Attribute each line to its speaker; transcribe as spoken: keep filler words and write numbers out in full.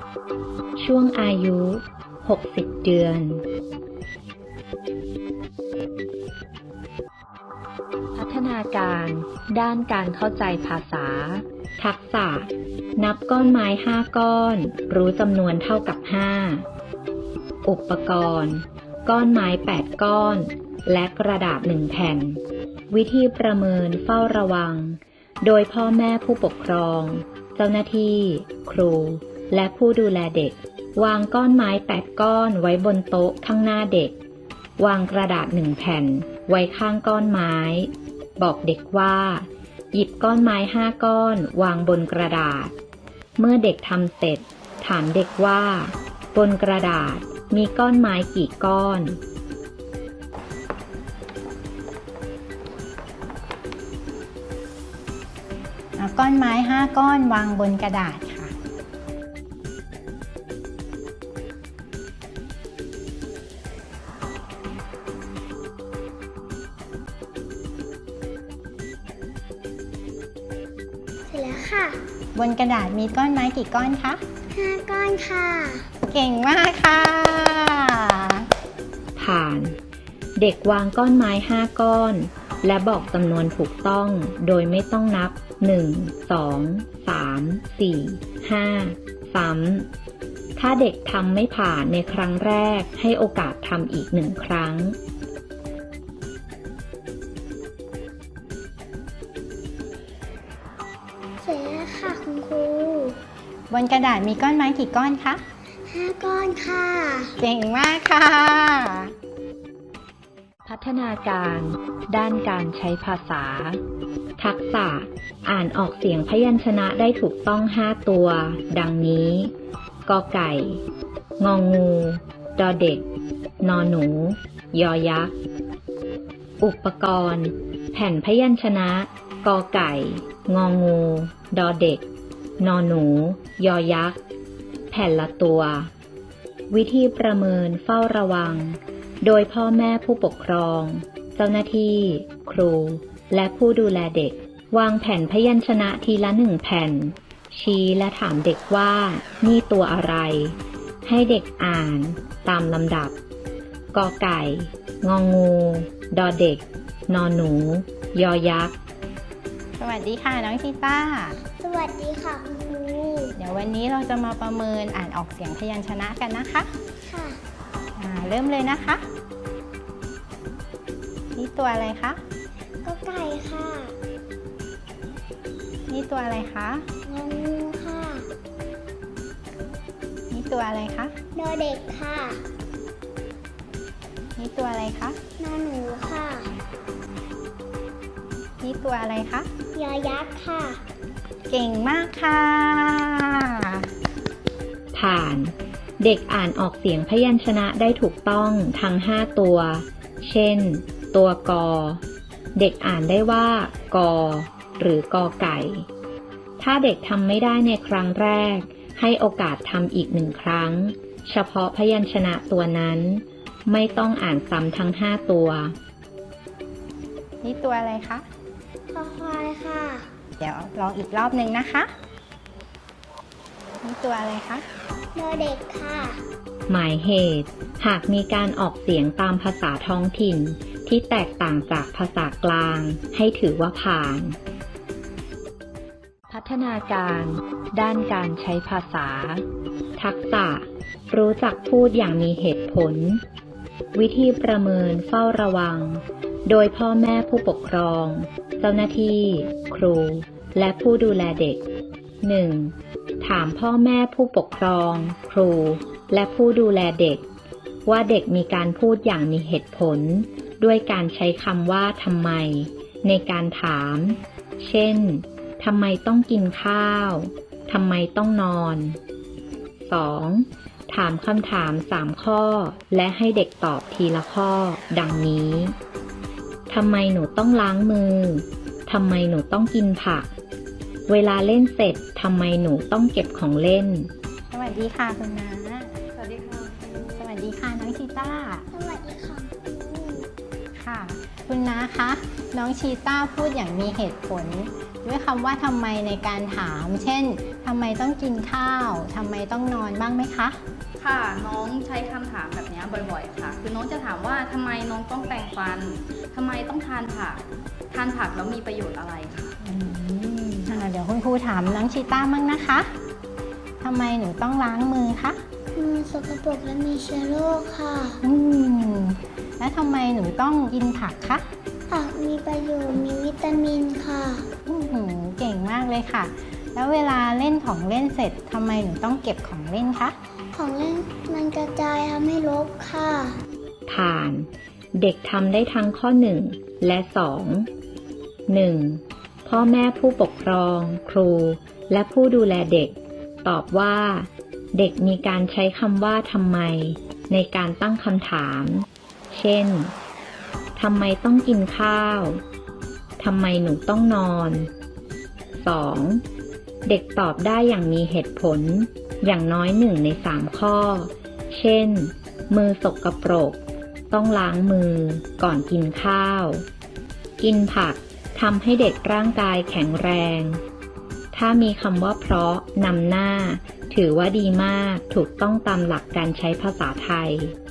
Speaker 1: ช่วงอายุหกสิบเดือนพัฒนาการด้านการเข้าใจภาษาทักษะนับก้อนไม้ห้าก้อนรู้จำนวนเท่ากับห้าอุปกรณ์ก้อนไม้แปดก้อนและกระดาษหนึ่งแผ่นวิธีประเมินเฝ้าระวังโดยพ่อแม่ผู้ปกครองเจ้าหน้าที่ครูและผู้ดูแลเด็กวางก้อนไม้แปดก้อนไว้บนโต๊ะข้างหน้าเด็กวางกระดาษหนึ่งแผ่นไว้ข้างก้อนไม้บอกเด็กว่าหยิบก้อนไม้ห้าก้อนวางบนกระดาษเมื่อเด็กทำเสร็จถามเด็กว่าบนกระดาษมีก้อนไม้กี่ก้อน
Speaker 2: เอาก้อนไม้ห้าก้อนวางบนกระดาษค่ะ
Speaker 3: เสร็จแล้วค่ะ
Speaker 2: บนกระดาษมีก้อนไม้กี่ก้อนคะ
Speaker 3: ห้าก้อนค่ะ
Speaker 2: เก่งมากค่ะ
Speaker 1: ผ่านเด็กวางก้อนไม้ห้าก้อนและบอกจำนวนถูกต้องโดยไม่ต้องนับหนึ่ง สอง สาม สี่ ห้าซ้ำถ้าเด็กทำไม่ผ่านในครั้งแรกให้โอกาสทำอีกหนึ่งครั้ง
Speaker 3: เสร็จแล้วค่ะคุณครู
Speaker 2: บนกระดาษมีก้อนไม้กี่ก้อนคะ
Speaker 3: ห้าก้อนค่ะ
Speaker 2: เก่งมากค่ะ
Speaker 1: พัฒนาการด้านการใช้ภาษาทักษะอ่านออกเสียงพยัญชนะได้ถูกต้องห้าตัวดังนี้กอไก่งองูดอเด็กนอหนูยอยักษ์อุปกรณ์แผ่นพยัญชนะกอไก่งองูดอเด็กนอหนูยอยักษ์แผ่นละตัววิธีประเมินเฝ้าระวังโดยพ่อแม่ผู้ปกครองเจ้าหน้าที่ครูและผู้ดูแลเด็กวางแผ่นพยัญชนะทีละหนึ่งแผ่นชี้และถามเด็กว่านี่ตัวอะไรให้เด็กอ่านตามลำดับกอไก่งองูดอเด็กนอหนูยอยักษ์
Speaker 2: สวัสดีค่ะน้องชีต้า
Speaker 3: สวัสดีค่ะคุณครู
Speaker 2: เดี๋ยววันนี้เราจะมาประเมินอ่านออกเสียงพยัญชนะกันนะคะ
Speaker 3: ค่ะ
Speaker 2: เริ่มเลยนะคะนี่ตัวอะไรคะ
Speaker 3: กอไก่ค่ะ
Speaker 2: นี่ตัวอะไรคะ
Speaker 3: งองูค่ะ
Speaker 2: นี่ตัวอะไรคะ
Speaker 3: ดอเด็กค่ะ
Speaker 2: นี่ตัวอะไรคะ
Speaker 3: นอหนูค่ะ
Speaker 2: นี่ตัวอะไรคะ
Speaker 3: ยอยักษ์ค่ะ
Speaker 2: เก่งมากค่ะ
Speaker 1: ผ่านเด็กอ่านออกเสียงพยัญชนะได้ถูกต้องทั้งห้าตัวเช่นตัวกอเด็กอ่านได้ว่ากอหรือกอไก่ถ้าเด็กทำไม่ได้ในครั้งแรกให้โอกาสทำอีกหนึ่งครั้งเฉพาะพยัญชนะตัวนั้นไม่ต้องอ่านซ้ำทั้งห้าตัว
Speaker 2: นี่ตัวอะไรคะ
Speaker 3: คอควายค่ะ
Speaker 2: เดี๋ยวลองอีกรอบหนึ่งนะคะนี่ตัวอะไรคะ
Speaker 3: ดอเด็กค่ะ
Speaker 1: หมายเหตุหากมีการออกเสียงตามภาษาท้องถิ่นที่แตกต่างจากภาษากลางให้ถือว่าผ่านพัฒนาการด้านการใช้ภาษาทักษะรู้จักพูดอย่างมีเหตุผลวิธีประเมินเฝ้าระวังโดยพ่อแม่ผู้ปกครองเจ้าหน้าที่ครูและผู้ดูแลเด็ก หนึ่ง. ถามพ่อแม่ผู้ปกครองครูและผู้ดูแลเด็กว่าเด็กมีการพูดอย่างมีเหตุผลด้วยการใช้คำว่าทำไมในการถามเช่นทำไมต้องกินข้าวทำไมต้องนอน สอง. ถามคำถามสามข้อและให้เด็กตอบทีละข้อดังนี้ทำไมหนูต้องล้างมือทำไมหนูต้องกินผักเวลาเล่นเสร็จทำไมหนูต้องเก็บของเล่น
Speaker 2: สวัสดีค่ะคุณน้า
Speaker 4: สวัสดีค่ะ
Speaker 2: สวัสดีค่ะน้องชีต้า
Speaker 3: สวัสดีค่ะ
Speaker 2: ค่ะค่ะ คุณน้าคะ น้องชีต้าพูดอย่างมีเหตุผล ด้วยคำว่าทำไมในการถาม เช่นทำไมต้องกินข้าวทำไมต้องนอนบ้างไหมคะ
Speaker 4: ค่ะ น้องใช้คำถามแบบนี้บ่อยๆค่ะ คือน้องจะถามว่าทำไมน้องต้องแปรงฟันทำไมต้องทานผักทานผักแล้วมีประโยชน์อะไรค่ะ
Speaker 2: อืมอ่าเดี๋ยวคุณครูถามน้องชีต้ามั่งนะคะทำไมหนูต้องล้างมือคะ
Speaker 3: มือสกปรกและมีเชื้อโรคค่ะ
Speaker 2: อืมแล้วทำไมหนูต้องกินผักคะ
Speaker 3: ผักมีประโยชน์มีวิตามินค่ะ
Speaker 2: อื้อหือเก่งมากเลยค่ะ แล้วเวลาเล่นของเล่นเสร็จทำไมหนูต้องเก็บของเล่นคะ
Speaker 3: ของเล่นมันกระจายทำให้รกค่ะ
Speaker 1: ผ่าน เด็กทำได้ทั้งข้อหนึ่งและสอง หนึ่ง. พ่อแม่ผู้ปกครอง ครู และผู้ดูแลเด็ก ตอบว่า เด็กมีการใช้คำว่าทำไมในการตั้งคำถาม เช่นทำไมต้องกินข้าวทำไมหนูต้องนอน สอง. เด็กตอบได้อย่างมีเหตุผล อย่างน้อยหนึ่งในสามข้อ เช่น มือสกปรก ต้องล้างมือก่อนกินข้าว กินผักทำให้เด็กร่างกายแข็งแรง ถ้ามีคำว่าเพราะนำหน้า ถือว่าดีมาก ถูกต้องตามหลักการใช้ภาษาไทย